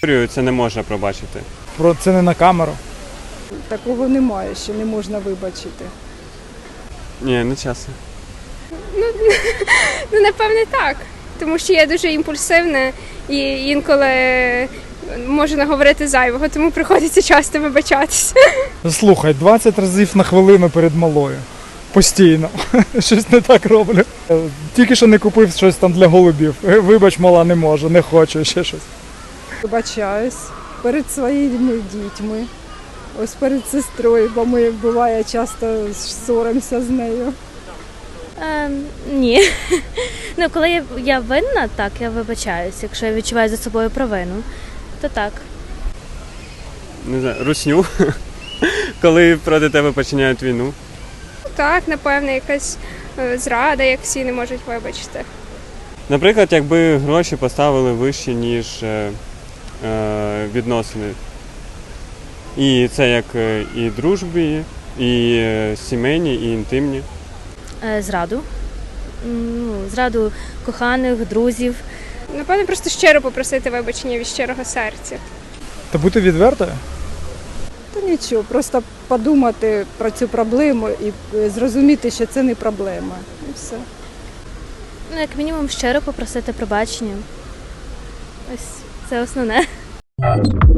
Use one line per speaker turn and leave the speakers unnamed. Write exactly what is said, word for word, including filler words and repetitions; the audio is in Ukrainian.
Це не можна пробачити.
Про це не на камеру.
Такого немає, що не можна вибачити.
Ні, не чесно.
Ну, напевне, так. Тому що я дуже імпульсивна і інколи можу наговорити зайвого, тому приходиться часто вибачатися.
Слухай, двадцять разів на хвилину перед малою. Постійно. Щось не так роблю. Тільки що не купив щось там для голубів. Вибач, мала, не можу, не хочу, ще щось.
Вибачаюсь перед своїми дітьми, ось перед сестрою, бо ми, буває, часто ссоримося з нею.
Е, ні. Ну, коли я, я винна, так, я вибачаюсь. Якщо я відчуваю за собою провину, то так.
Не знаю, русню. Коли проти тебе починають війну.
Так, напевне, якась е, зрада, як всі не можуть вибачити.
Наприклад, якби гроші поставили вище, ніж е, е, відносини. І це як е, і дружбі, і е, сімейні, і інтимні.
Е, зраду. Ну, зраду коханих, друзів.
Напевне, просто щиро попросити вибачення від щирого серця.
Та бути відвертою?
Та нічого, просто подумати про цю проблему і зрозуміти, що це не проблема. І все.
Ну, як мінімум, щиро попросити пробачення. Ось це основне.